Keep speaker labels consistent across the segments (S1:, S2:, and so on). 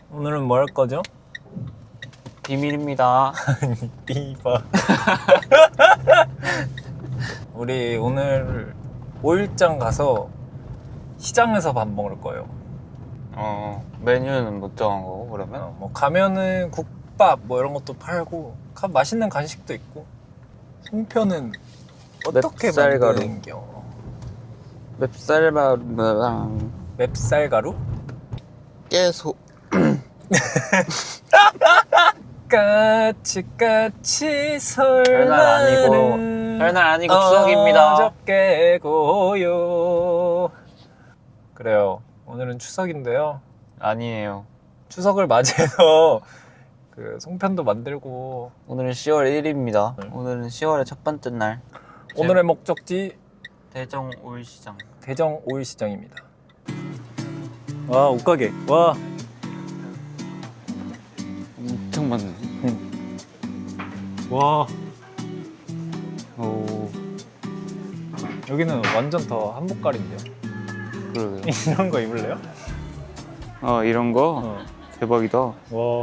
S1: 오늘은 뭐 할 거죠?
S2: 비밀입니다.
S1: 띠바. 우리 오늘 5일장 가서 시장에서 밥 먹을 거예요.
S2: 메뉴는 못 정한 거고 그러면?
S1: 뭐 가면은 국밥 뭐 이런 것도 팔고 맛있는 간식도 있고. 송편은 어떻게
S2: 맵쌀가루.
S1: 만드는겨?
S2: 맵쌀밥이랑
S1: 맵쌀가루?
S2: 깨소.
S1: 까치까치 설날은
S2: 설날 아니고 추석입니다.
S1: 어저께 고요. 그래요. 오늘은 추석인데요.
S2: 아니에요.
S1: 추석을 맞이해서 그 송편도 만들고.
S2: 오늘은 10월 1일입니다. 오늘은 10월의 첫 번째 날.
S1: 오늘의 목적지
S2: 대정 오일시장.
S1: 대정 오일시장입니다. 와, 옷가게. 와.
S2: 엄청 많네.
S1: 와.
S2: 오,
S1: 여기는 완전 더 한복갈인데요.
S2: 그러게요.
S1: 이런 거 입을래요?
S2: 이런 거?
S1: 어.
S2: 대박이다.
S1: 와.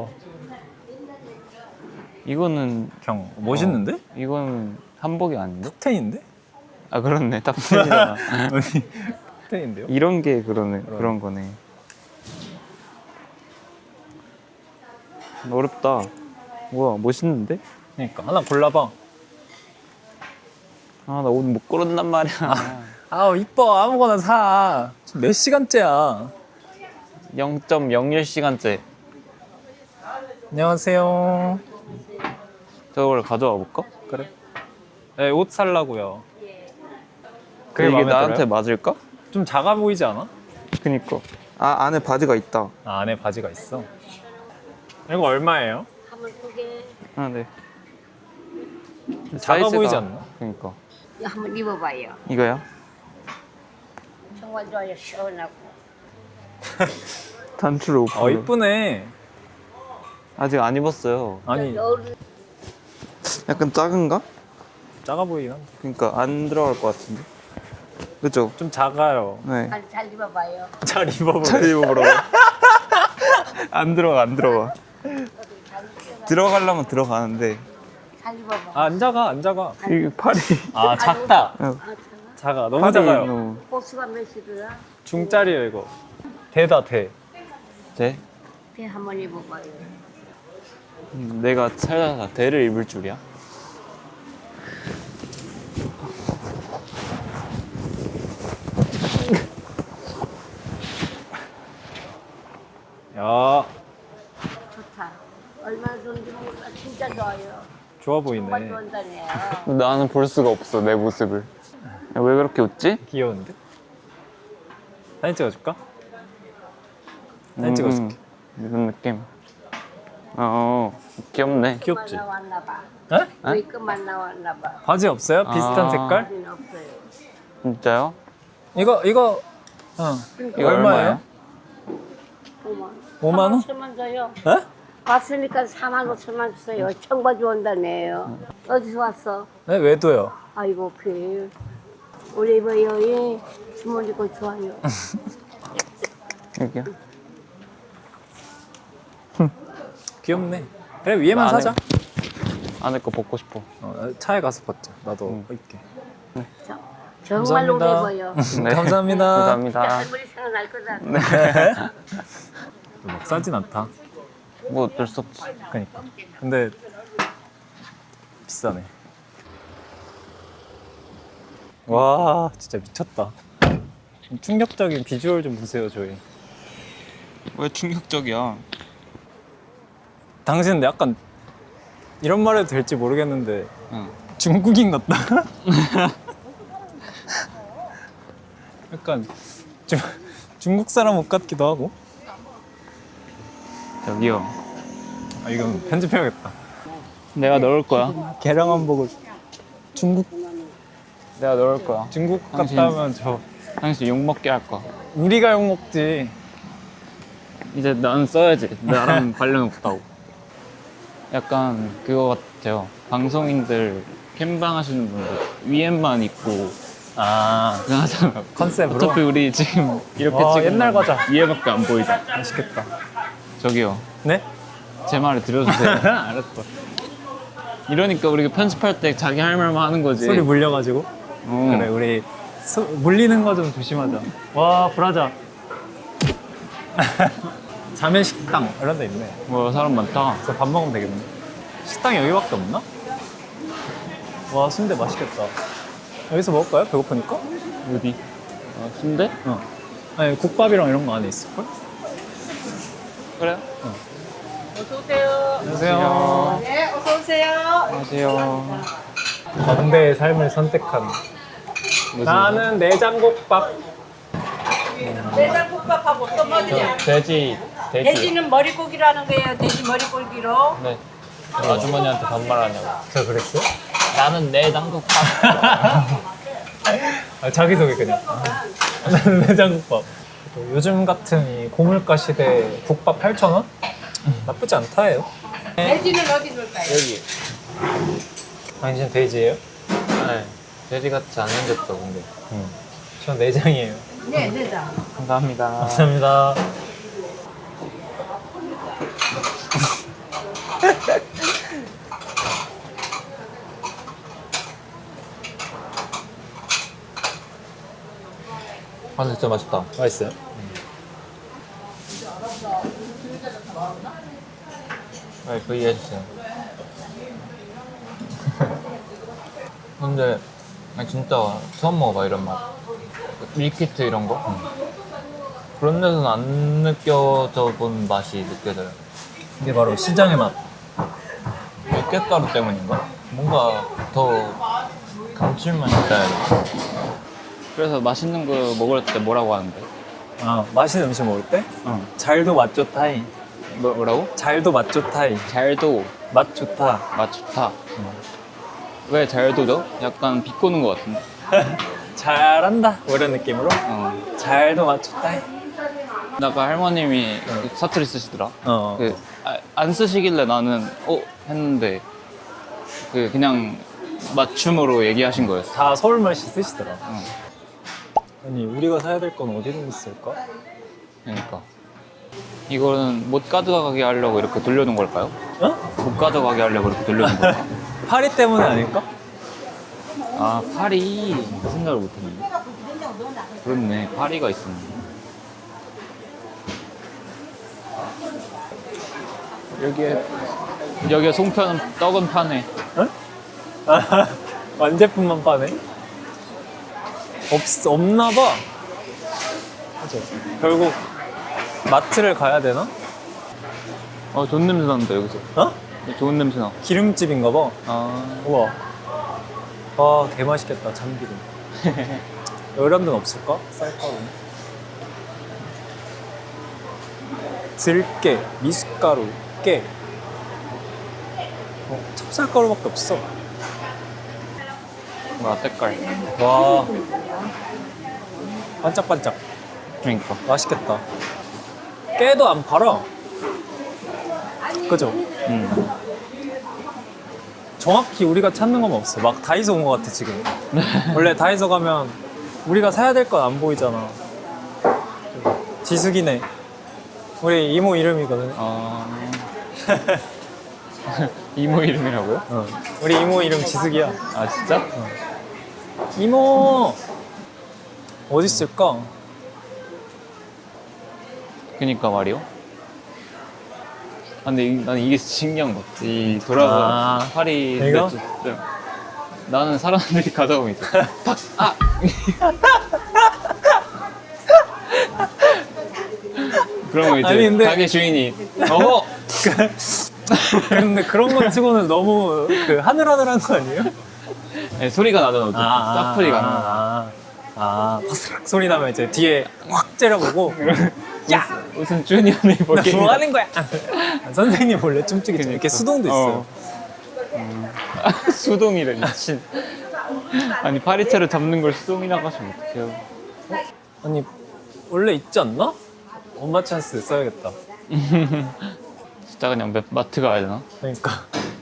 S2: 이거는
S1: 그냥 멋있는데?
S2: 이건 한복이 아닌데?
S1: 탑텐인데?
S2: 아, 그렇네. 탑텐이잖아.
S1: 아니, 탑텐인데요?
S2: 이런 게 그런 거네. 어렵다. 우와, 멋있는데?
S1: 그러니까 하나 골라봐.
S2: 나 옷 못 고른단 말이야.
S1: 아우, 이뻐. 아무거나 사. 지금 몇 시간째야?
S2: 0.01시간째.
S1: 안녕하세요.
S2: 저걸 가져와 볼까?
S1: 그래? 네, 옷 살라고요.
S2: 그게
S1: 마음에
S2: 나한테
S1: 들어요?
S2: 맞을까?
S1: 좀 작아 보이지 않아?
S2: 그니까. 안에 바지가 있다.
S1: 아, 안에 바지가 있어. 이거 얼마예요?
S3: 한번 두개
S2: 네.
S1: 작아 보이지 않나?
S2: 그니까.
S3: 한번 입어봐요.
S2: 이거야?
S3: 정말 좋아요. 시원하고.
S2: 단추로 옷.
S1: 이쁘네.
S2: 아직 안 입었어요.
S1: 아니,
S3: 여름
S2: 약간 작은가?
S1: 작아 보이긴 한데.
S2: 그니까 안 들어갈 것 같은데. 그죠?
S1: 좀 작아요.
S2: 네.
S3: 잘 입어봐요.
S1: 잘 입어보래.
S2: 잘 입어보라고. 안 들어가. 들어가려면 들어가는데
S3: 잘 입어봐.
S1: 아, 안 작아, 안 작아.
S2: 이게 팔이.
S1: 아, 작다. 작아. 너무 작아요.
S2: 너무...
S3: 호수가 몇이더라?
S1: 중짜리예요, 이거. 대다, 대.
S2: 돼?
S3: 배 한번 입어봐요.
S2: 내가 살다가 대를 입을 줄이야?
S1: 야,
S3: 좋다. 얼마나 좋은지 몰라. 진짜 좋아요.
S1: 좋아
S3: 정말
S1: 보이네.
S3: 좋아한다네요.
S2: 나는 볼 수가 없어, 내 모습을. 야, 왜 그렇게 웃지?
S1: 귀여운데? 사진 찍어줄까? 사진 찍어줄게.
S2: 이런 느낌. 귀엽네.
S1: 귀엽지?
S3: 나왔나 봐.
S1: 에?
S3: 메이크업만 나왔나 봐.
S1: 바지 없어요? 비슷한
S2: 아.
S1: 색깔?
S3: 바지는 없어요.
S2: 진짜요?
S1: 이거,
S2: 이거
S1: 얼마예요?
S3: 5만
S1: 5만 원?
S3: 5천만 줘요.
S1: 에?
S3: 왔으니까 4만 5천만 주세요. 청바 좋아한다네요. 어디서 왔어?
S1: 네, 외도요.
S3: 아이고 그 우리 이봐요. 주머니 거 좋아요.
S2: 여기요?
S1: 귀엽네. 그래, 위에만
S2: 나 안에-
S1: 사자.
S2: 안에 거 벗고 싶어.
S1: 차에 가서 벗자. 나도 입게.
S3: 저, 정말 오래
S1: 감사합니다.
S3: 보여.
S2: 네.
S1: 감사합니다.
S2: 감사합니다.
S3: 할머니 생각날 거다.
S1: 막 싸진 않다.
S2: 뭐 어쩔 수 없지.
S1: 그러니까. 근데 비싸네. 와, 진짜 미쳤다. 충격적인 비주얼 좀 보세요, 저희.
S2: 왜 충격적이야?
S1: 당신은 약간 이런 말 해도 될지 모르겠는데
S2: 응.
S1: 중국인 같다. 약간 중국 사람 옷 같기도 하고.
S2: 저기요.
S1: 아, 이건 편집해야겠다.
S2: 내가 넣을 거야.
S1: 개량 한복을
S2: 내가 넣을 거야.
S1: 중국
S2: 당신-
S1: 갔다 하면 저
S2: 당신 욕 먹게 할 거야.
S1: 우리가 욕 먹지.
S2: 이제 난 써야지. 나랑 관련 없다고. 약간 그거 같아요. 방송인들 캠방 하시는 분들 위에만 입고
S1: 아,
S2: 그거 하잖아.
S1: 컨셉으로.
S2: 어차피 우리 지금 이렇게
S1: 와,
S2: 찍으면
S1: 옛날 과자.
S2: 위에밖에 안 보이잖아.
S1: 맛있겠다.
S4: 저기요.
S1: 네?
S4: 제 말을 들어주세요.
S1: 알았어.
S4: 이러니까 우리가 편집할 때 자기 할 말만 하는 거지.
S1: 소리 물려가지고.
S4: 어.
S1: 그래 우리 물리는 거 좀 조심하자. 와 브라자. 자매 식당 이런 데 있네.
S4: 뭐 사람 많다.
S1: 그래서 밥 먹으면 되겠네. 식당이 여기밖에 없나? 와 순대 맛있겠다. 여기서 먹을까요? 배고프니까?
S4: 어디? 아, 순대?
S1: 어. 아니 국밥이랑 이런 거 안에 있을걸?
S4: 그래요?
S1: 안녕하세요.
S5: 네, 어서 오세요.
S4: 안녕하세요.
S1: 건대의 삶을 선택한 나는 내장국밥.
S5: 내장국밥하고 어떤 거 드냐?
S4: 돼지.
S5: 돼지는 머리고기라는 거예요. 돼지 머리고기로.
S4: 네. 아주머니한테 반말하냐고.
S1: 저 그랬어요?
S4: 나는 내 장국밥.
S1: 아, 자기소개 그냥. 나는 내장국밥. 또 요즘 같은 이 고물가 시대에 국밥 8,000원? 나쁘지 않다예요.
S5: 돼지는 어디 놓을까요?
S4: 여기.
S1: 당신 돼지예요?
S4: 네. 돼지 같이 안 생겼어, 근데.
S1: 전 내장이에요.
S5: 네, 내장.
S4: 감사합니다.
S1: 감사합니다.
S4: 아, 진짜 맛있다.
S1: 맛있어요?
S4: 네, V 해주세요. 근데 아니, 진짜 처음 먹어봐 이런 맛. 밀키트 이런 거? 그런 데서는 안 느껴져 본 맛이 느껴져요.
S1: 이게 바로 시장의 맛.
S4: 밀가루 때문인가? 뭔가 더 감칠맛이 있다. 그래서 맛있는 거 먹을 때 뭐라고 하는데?
S1: 아, 맛있는 음식 먹을 때? 잘도 맛 좋다이.
S4: 뭐라고?
S1: 잘도 맛 좋다이.
S4: 잘도
S1: 맛 좋다.
S4: 맛 좋다. 왜 잘도죠? 약간 비꼬는 것 같은데.
S1: 잘한다. 뭐 이런 느낌으로. 잘도 맛 좋다이.
S4: 아까 할머님이 사투리 쓰시더라.
S1: 어.
S4: 안 쓰시길래 나는 했는데 그냥 맞춤으로 얘기하신 거였어.
S1: 다 서울말씨 쓰시더라.
S4: 어.
S1: 아니, 우리가 사야 될 건 어디로 있을까?
S4: 그러니까 이거는 못 가져가게 하려고 이렇게 돌려놓은 걸까요?
S1: 어?
S4: 못 가져가게 하려고 이렇게 돌려놓은 걸까?
S1: 파리 때문에 아닐까?
S4: 아 파리 그 생각을 못했네. 그렇네, 파리가 있었네. 여기에 송편 떡은 파네.
S1: 응? 아, 완제품만 파네? 없나 봐. 그죠? 결국 마트를 가야 되나?
S4: 좋은 냄새 난다 여기서.
S1: 어?
S4: 좋은 냄새 나.
S1: 기름집인가 봐.
S4: 아
S1: 우와. 와, 개 맛있겠다. 참기름. 이런 데는 없을까? 쌀가루. 들깨, 미숫가루, 깨. 찹쌀가루밖에 없어.
S4: 뭐야 색깔.
S1: 와. 반짝반짝.
S4: 그러니까.
S1: 맛있겠다. 깨도 안 팔아. 그죠? 정확히 우리가 찾는 건 없어. 막 다이소 온 것 같아 지금. 원래 다이소 가면 우리가 사야 될 건 안 보이잖아. 지숙이네. 우리 이모 이름이거든.
S4: 이모 이름이라고요?
S1: 우리 이모 이름 지숙이야.
S4: 아 진짜?
S1: 이모 어디 있을까?
S4: 그니까 말이요. 아, 근데 나는 이게 신기한 것 같아. 이 돌아가 파리.
S1: 이거?
S4: 네. 나는 사람들이 가져오면 있어. 팍! 아! 그러면 이제
S1: 아니, 근데-
S4: 가게 주인이
S1: 근데 그런 거 치고는 너무 하늘하늘한 거 아니에요?
S4: 네, 소리가 나잖아. 싹소리가 나.
S1: 바스락 소리 나면 이제 뒤에 확 째려보고
S4: 야! 무슨 주니어네 볼게.
S1: 뭐 하는 거야? 선생님 원래 춤추기 전에 이렇게
S4: 그러니까.
S1: 수동도 있어요.
S4: 수동이래 미친. 아니 파리채를 잡는 걸 수동이라고 하시면 어떡해요.
S1: 아니 원래 있지 않나? 엄마 찬스 써야겠다.
S4: 진짜 그냥 마트 가야 되나?
S1: 그러니까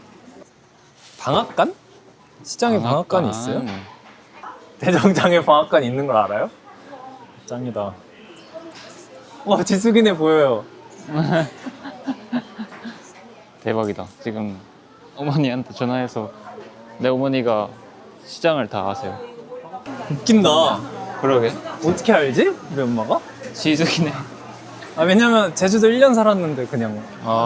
S1: 방앗간? 시장에 방앗간이 있어요? 대정장에 방앗간이 있는 걸 알아요? 짱이다. 와 지숙이네 보여요.
S4: 대박이다. 지금 어머니한테 전화해서 내 어머니가 시장을 다 아세요.
S1: 웃긴다.
S4: 그러게.
S1: 어떻게 알지? 우리 엄마가?
S4: 지숙이네.
S1: 아 왜냐면 제주도 1년 살았는데 그냥.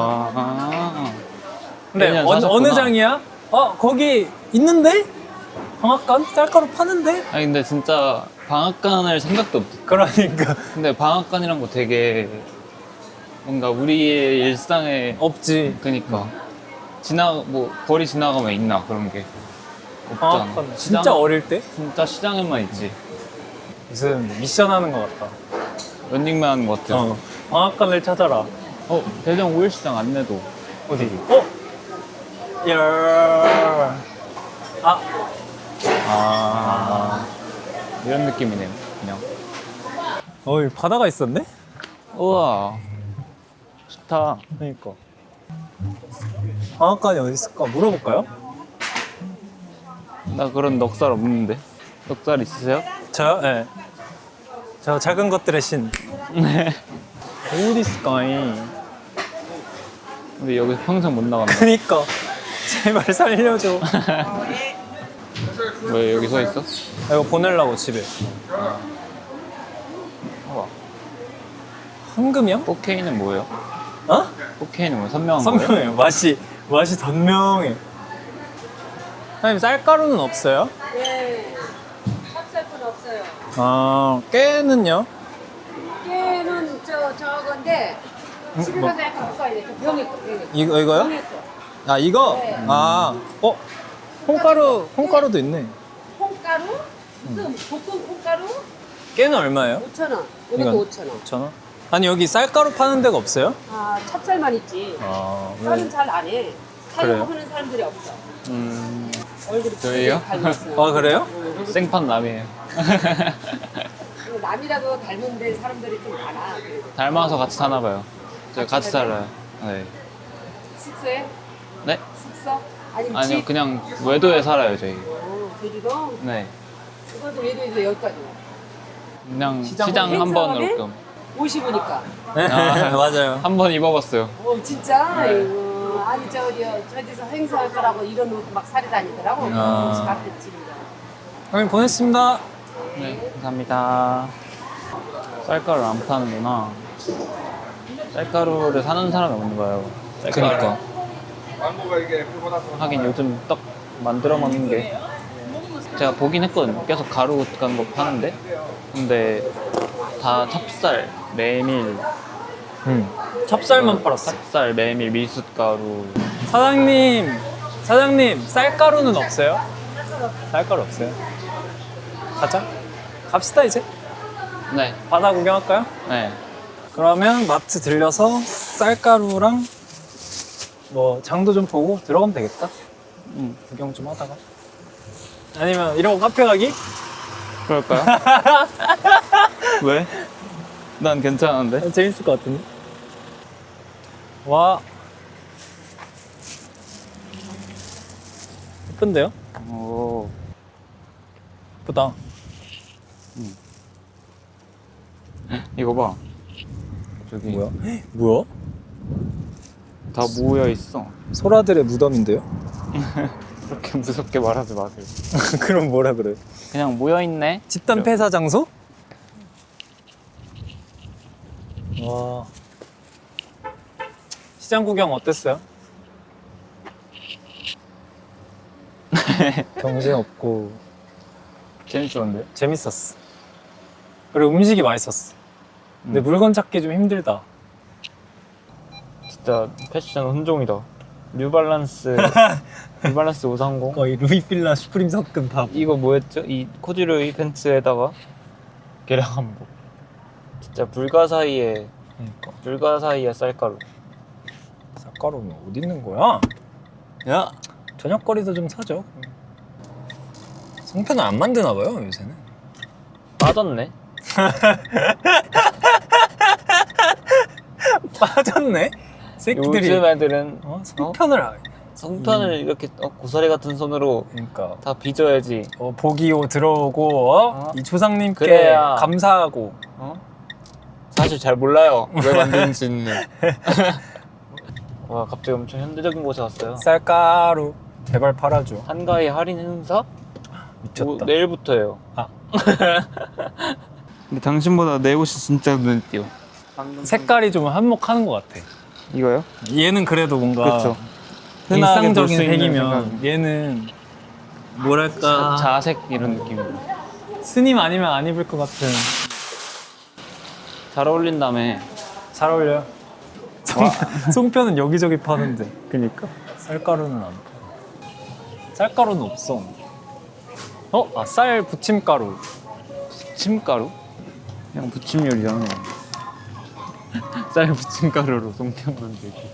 S1: 근데
S4: 1년
S1: 어느
S4: 사셨구나.
S1: 장이야? 거기 있는데? 방앗간? 쌀가루 파는데?
S4: 아니 근데 진짜 방앗간을 생각도 없어.
S1: 그러니까
S4: 근데 방앗간이란 거 되게 뭔가 우리의 일상에
S1: 없지.
S4: 그니까 뭐 거리 지나가면 있나 그런 게 없잖아.
S1: 방앗간 진짜 어릴 때?
S4: 진짜 시장에만 있지.
S1: 무슨 미션 하는 것 같다.
S4: 런닝맨 하는 것 같아.
S1: 방앗간을 찾아라.
S4: 대전 5일시장 안내도.
S1: 어디? 야.
S4: 이런 느낌이네요. 그냥.
S1: 여기 바다가 있었네?
S4: 우와 좋다.
S1: 그러니까. 방앗간이 어디 있을까? 물어볼까요?
S4: 나 그런 넉살 없는데. 넉살 있으세요?
S1: 저요? 네. 저 작은 것들의 신.
S4: 네.
S1: 어디 있을까이?
S4: 우리 여기 평생 못 나간다.
S1: 그니까. 제발 살려줘.
S4: 왜 여기 서 있어?
S1: 이거 보내려고 집에.
S4: 우와.
S1: 황금이요?
S4: 포케이는 뭐예요?
S1: 어?
S4: 포케이는 뭐예요? 선명한 거예요?
S1: 선명해요. 맛이 선명해. 사장님 쌀가루는 없어요?
S5: 네. 찹쌀은 없어요.
S1: 깨는요?
S5: 깨는 저건데 집에
S1: 뭐?
S5: 가서 약간 바꿔야 돼. 병에 거.
S1: 이거요?
S5: 병에 거.
S1: 이거?
S5: 네.
S1: 콩가루도 있네.
S5: 콩가루? 무슨 볶음 콩가루?
S1: 깨는 얼마예요?
S5: 5,000원.
S1: 이건
S5: 이것도 5,000원.
S1: 5,000원? 아니 여기 쌀가루 파는 데가 없어요?
S5: 찹쌀만 있지. 쌀은 잘 안 해.
S1: 그래요?
S5: 사용하는 사람들이 없어. 얼굴이
S4: 저희요?
S5: 닮았어요.
S1: 그래요?
S4: 생판 남이에요.
S5: 남이라고 닮은데 사람들이 좀 많아. 그래도.
S4: 닮아서 같이 사나 봐요. 저희 같이 살아요. 네.
S5: 숙소에?
S4: 네?
S5: 숙소? 아니면
S4: 아니요,
S5: 집?
S4: 그냥 외도에 살아요, 저희.
S5: 제주도?
S4: 네.
S5: 그것도 외도에서 여기까지 와.
S4: 그냥
S1: 시장
S4: 시장 한 번으로 좀.
S5: 50이니까.
S1: 맞아요.
S4: 한 번 입어봤어요.
S5: 진짜?
S4: 네.
S5: 아이고. 아니 저기서 행사할 거라고 이런 옷 막 사리 다니더라고. 혹시 갔겠지.
S1: 형님 보냈습니다.
S4: 네, 감사합니다. 쌀가루를 안 파는구나. 쌀가루를 사는 사람이 없는 거예요.
S1: 그니까.
S4: 하긴 요즘 떡 만들어 먹는 게 제가 보긴 했거든요. 계속 가루 같은 거 파는데 근데 다 찹쌀, 메밀,
S1: 찹쌀만 팔았어.
S4: 찹쌀, 메밀, 미숫가루.
S1: 사장님 쌀가루는 없어요? 쌀가루 없어요? 가자. 갑시다 이제.
S4: 네,
S1: 바다 구경할까요?
S4: 네.
S1: 그러면 마트 들려서 쌀가루랑 뭐 장도 좀 보고 들어가면 되겠다. 구경 좀 하다가. 아니면 이러고 카페 가기?
S4: 그럴까요? 왜? 난 괜찮은데.
S1: 재밌을 것 같은데. 와. 예쁜데요?
S4: 오,
S1: 예쁘다.
S4: 이거 봐. 저기
S1: 뭐야?
S4: 다 모여 있어.
S1: 소라들의 무덤인데요?
S4: 그렇게 무섭게 말하지 마세요.
S1: 그럼 뭐라 그래?
S4: 그냥 모여 있네.
S1: 집단 폐사 장소? 와. 시장 구경 어땠어요? 정신없고
S4: 재밌었는데?
S1: 재밌었어. 그리고 음식이 맛있었어. 근데 물건 찾기 좀 힘들다.
S4: 진짜 패션 혼종이다. 뉴발란스 530.
S1: 거의 루이필라 슈프림 섞은 밥.
S4: 이거 뭐였죠? 이 코듀로이 팬츠에다가 계량 한복. 진짜 불가사의의 쌀가루.
S1: 쌀가루는 어디 있는 거야?
S4: 야,
S1: 저녁거리도 좀 사죠. 송편을 안 만드나 봐요 요새는.
S4: 빠졌네.
S1: 빠졌네. 새끼들이.
S4: 요즘 애들은
S1: 송편을
S4: 이렇게 고사리 같은 손으로
S1: 그러니까
S4: 다 빚어야지.
S1: 보기오 들어오고 이 조상님께
S4: 그래야.
S1: 감사하고
S4: 사실 잘 몰라요. 왜 만드는지는. 와 갑자기 엄청 현대적인 곳에 왔어요.
S1: 쌀가루 제발 팔아줘.
S4: 한가위 할인 행사?
S1: 미쳤다.
S4: 내일부터예요.
S1: 아.
S4: 근데 당신보다 내 옷이 진짜 눈에 띄어.
S1: 색깔이 좀 한몫하는 것 같아.
S4: 이거요?
S1: 얘는 그래도 뭔가
S4: 그렇죠. 흔하게
S1: 일상적인
S4: 볼수 있는
S1: 색이면
S4: 생각.
S1: 얘는 뭐랄까
S4: 자색 이런 느낌으로.
S1: 스님 아니면 안 입을 것 같은.
S4: 잘 어울린다며.
S1: 잘 어울려요. 송편은 여기저기 파는데. 그니까. 쌀가루는 안 파. 쌀가루는 없어. 아, 쌀 부침가루.
S4: 부침가루? 그냥 부침 요리잖아. 쌀 부침가루로 송편 만들기.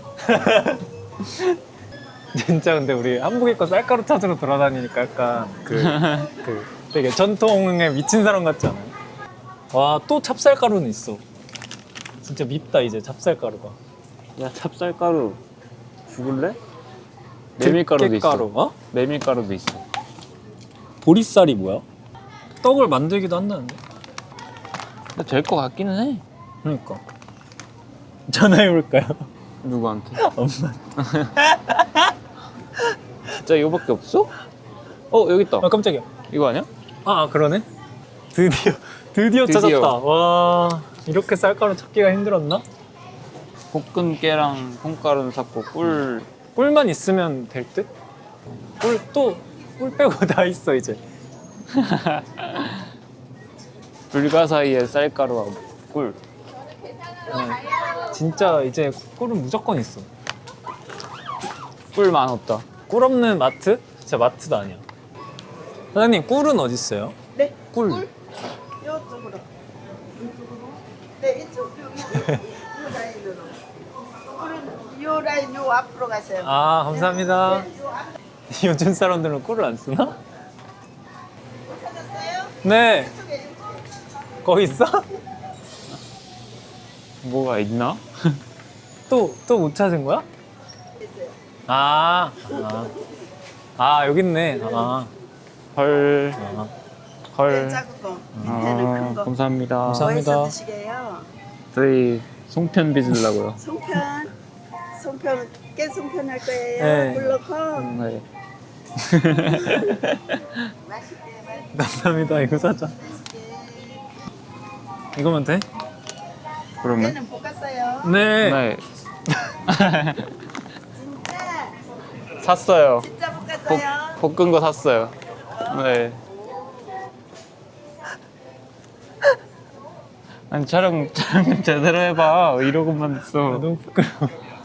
S1: 진짜 근데 우리 한국인과 쌀가루 찾으러 돌아다니니까 약간 그 되게 전통에 미친 사람 같지 않아요? 와, 또 찹쌀가루는 있어. 진짜 밉다 이제 찹쌀가루가.
S4: 야 찹쌀가루 죽을래? 메밀가루도
S1: 들깨가루,
S4: 있어.
S1: 어?
S4: 메밀가루도 있어.
S1: 보리쌀이 뭐야? 떡을 만들기도 한다는데?
S4: 근데 될 것 같기는 해.
S1: 그러니까 전화해볼까요?
S4: 누구한테?
S1: 엄마.
S4: 진짜 이거밖에 없어? 여기 있다.
S1: 아, 깜짝이야.
S4: 이거 아니야?
S1: 아, 그러네. 드디어 찾았다. 와, 이렇게 쌀가루 찾기가 힘들었나?
S4: 볶은 깨랑 콩가루는 샀고
S1: 꿀만 있으면 될 듯? 꿀 빼고 다 있어 이제.
S4: 불가사의에 쌀가루하고 꿀.
S1: 진짜 이제 꿀은 무조건 있어.
S4: 꿀만 없다.
S1: 꿀 없는 마트? 진짜 마트도 아니야. 사장님, 꿀은 어디 있어요?
S6: 네.
S1: 꿀.
S6: 이쪽으로. 네, 이쪽 요 라인으로. 우리 요 라인 요 앞으로 가세요.
S1: 아, 감사합니다.
S6: 네, 요 앞.
S1: 요즘 사람들은 꿀을 안 쓰나?
S6: 찾았어요?
S1: 네.
S6: 이쪽에.
S1: 거기 있어?
S4: 뭐가 있나?
S1: 또 못 찾은 거야?
S6: 있어요.
S1: 여기 있네.
S4: 헐.
S1: 아.
S4: 헐.
S6: 네, 작은 거. 밑에는 큰 거.
S4: 감사합니다.
S1: 감사합니다.
S6: 뭐 해서 드시게요?
S4: 저희 송편 빚으려고요.
S6: 송편. 깨 송편 할 거예요.
S1: 네.
S6: 물 넣고.
S4: 네.
S6: 맛있게
S1: 감사합니다. 이거 사자.
S6: 맛있게.
S1: 이거면 돼?
S4: 그러면?
S6: 깨는 볶았어요.
S1: 네.
S4: 네.
S6: 진짜.
S4: 샀어요.
S6: 진짜 볶았어요.
S4: 볶은 거 샀어요. 네. 아니 촬영 좀 제대로 해봐. 이러고만 있어.
S1: 너무 부끄러워.